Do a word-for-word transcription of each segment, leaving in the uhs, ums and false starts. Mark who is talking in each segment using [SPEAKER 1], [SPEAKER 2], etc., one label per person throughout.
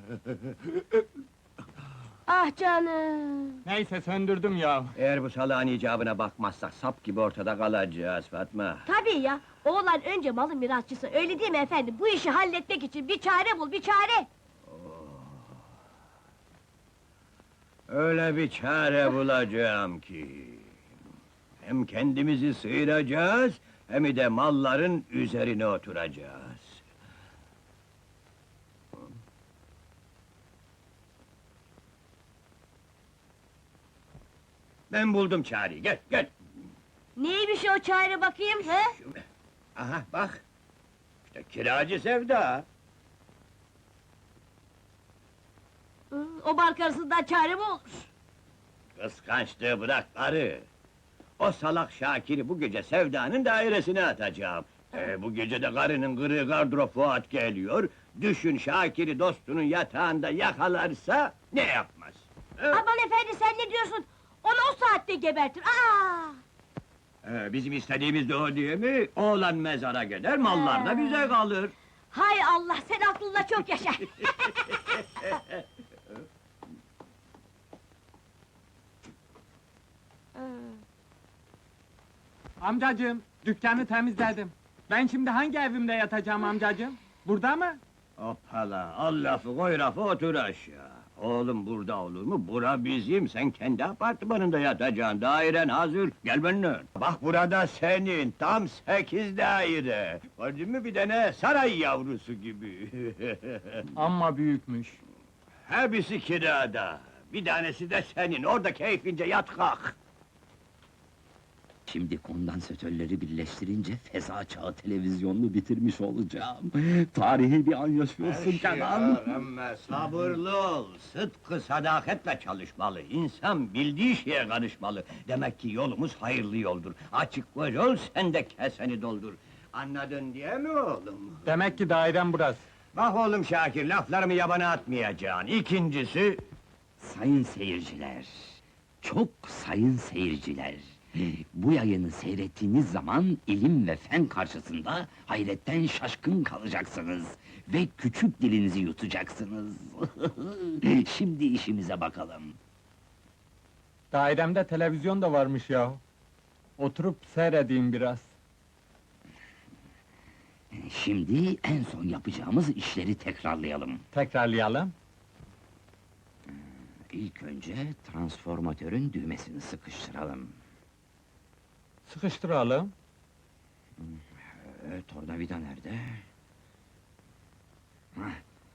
[SPEAKER 1] Ah canım!
[SPEAKER 2] Neyse söndürdüm ya.
[SPEAKER 3] Eğer bu salağın icabına bakmazsak sap gibi ortada kalacağız Fatma.
[SPEAKER 1] Tabii ya! Oğlan önce malın mirasçısı, öyle değil mi efendim? Bu işi halletmek için bir çare bul, bir çare!
[SPEAKER 3] Öyle bir çare bulacağım ki... Hem kendimizi sıyıracağız, hem de malların üzerine oturacağız. Ben buldum çareyi, gel, gel!
[SPEAKER 1] Neymiş o çare bakayım, he?
[SPEAKER 3] Aha, bak! İşte kiracı Sevda!
[SPEAKER 1] Hı, o bark arasından çare mi olur?
[SPEAKER 3] Kıskançlığı bırak karı! O salak Şakir'i bu gece Sevda'nın dairesine atacağım. Ee, bu gece de karının kırığı gardırop Fuat geliyor. Düşün Şakir'i dostunun yatağında yakalarsa ne yapmaz? Ee,
[SPEAKER 1] Aman efendi, sen ne diyorsun? Onu o saatte gebertir, aa!
[SPEAKER 3] ee, bizim istediğimiz de o değil mi? Oğlan mezara gider, mallar da bize kalır.
[SPEAKER 1] Hay Allah, sen aklınla çok yaşa!
[SPEAKER 2] Amcacığım, dükkanı temizledim. Ben şimdi hangi evimde yatacağım amcacığım? Burada mı?
[SPEAKER 3] Hoppala, al lafı koy lafı otur aşağı. Oğlum burada olur mu? Bura bizim, sen kendi apartmanında yatacaksın, dairen hazır, gel benimle. Bak burada senin, tam sekiz daire. Gördün mü bir tane saray yavrusu gibi.
[SPEAKER 2] Amma büyükmüş.
[SPEAKER 3] Hepsi kirada, bir tanesi de senin, orada keyfince yat kalk.
[SPEAKER 4] Şimdi kondansatörleri birleştirince feza çağı televizyonunu bitirmiş olacağım. Tarihi bir an yaşıyorsun Kenan.
[SPEAKER 3] Ama sabırlı ol, sıdkı sadaketle çalışmalı, insan bildiği şeye karışmalı. Demek ki yolumuz hayırlı yoldur, açık göz ol, sen de keseni doldur. Anladın diye mi oğlum?
[SPEAKER 2] Demek ki dairem burası.
[SPEAKER 3] Bak oğlum Şakir, laflarımı yabana atmayacaksın. İkincisi...
[SPEAKER 4] Sayın seyirciler, çok sayın seyirciler. Bu yayını seyrettiğiniz zaman ilim ve fen karşısında hayretten şaşkın kalacaksınız ve küçük dilinizi yutacaksınız. Şimdi işimize bakalım.
[SPEAKER 2] Dairemde televizyon da varmış ya. Oturup seyredeyim biraz.
[SPEAKER 4] Şimdi en son yapacağımız işleri tekrarlayalım.
[SPEAKER 2] Tekrarlayalım.
[SPEAKER 4] İlk önce transformatörün düğmesini sıkıştıralım.
[SPEAKER 2] Sıkıştıralım.
[SPEAKER 4] Ee, tornavida nerede? Hah.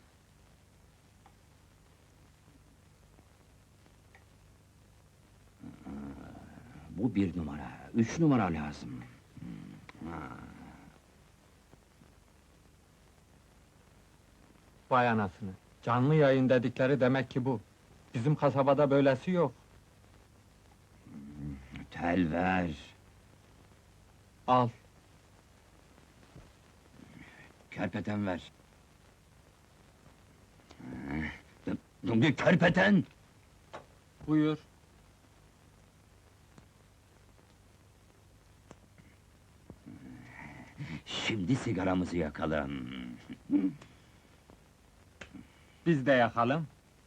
[SPEAKER 4] Aa, bu bir numara, üç numara lazım. Hmm, ha.
[SPEAKER 2] Vay anasını. Canlı yayın dedikleri demek ki bu. Bizim kasabada böylesi yok.
[SPEAKER 4] Tel ver.
[SPEAKER 2] Al.
[SPEAKER 4] Kerpeten ver. Ee, Kerpeten!
[SPEAKER 2] Buyur.
[SPEAKER 4] Şimdi sigaramızı yakalım.
[SPEAKER 2] Biz de yakalım.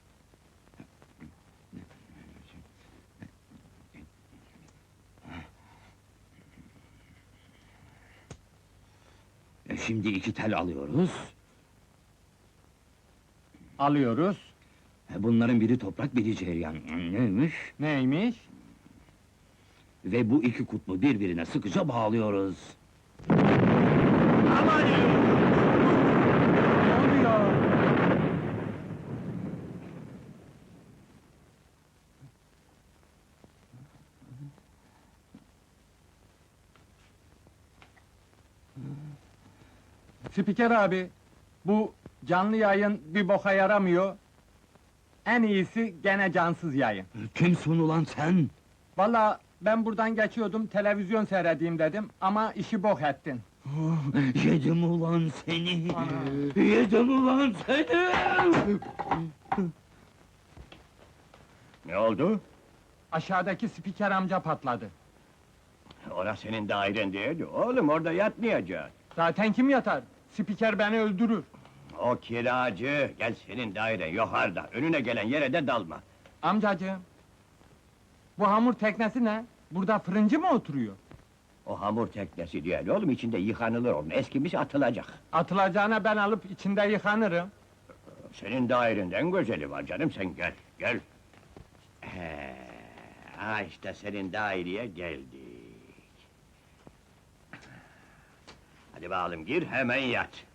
[SPEAKER 4] E, Şimdi iki tel alıyoruz.
[SPEAKER 2] Alıyoruz.
[SPEAKER 4] E, Bunların biri toprak, biri cereyan. Neymiş?
[SPEAKER 2] Neymiş?
[SPEAKER 4] Ve bu iki kutbu birbirine sıkıca bağlıyoruz.
[SPEAKER 3] Aman!
[SPEAKER 2] Ne oluyor? Spiker abi, bu canlı yayın bir boka yaramıyor. En iyisi gene cansız yayın.
[SPEAKER 4] Kimsin ulan sen?
[SPEAKER 2] Vallahi ben buradan geçiyordum, televizyon seyredeyim dedim ama işi bok ettin.
[SPEAKER 4] Oh, yedim ulan seni!
[SPEAKER 2] Ana!
[SPEAKER 4] Yedim ulan seni!
[SPEAKER 3] Ne oldu?
[SPEAKER 2] Aşağıdaki spiker amca patladı.
[SPEAKER 3] Orası senin dairen değil, oğlum orada yatmayacaksın.
[SPEAKER 2] Zaten kim yatar? Spiker beni öldürür.
[SPEAKER 3] O kiracı, gel senin dairen yukarıda, önüne gelen yere de dalma.
[SPEAKER 2] Amcacığım, bu hamur teknesi ne? Burada fırıncı mı oturuyor?
[SPEAKER 3] O hamur teknesi değil oğlum, içinde yıkanılır onun, eskimiş atılacak.
[SPEAKER 2] Atılacağına ben alıp içinde yıkanırım.
[SPEAKER 3] Senin dairenden güzeli var canım, sen gel, gel. He, ha işte senin daireye geldik. Hadi bakalım gir, hemen yat.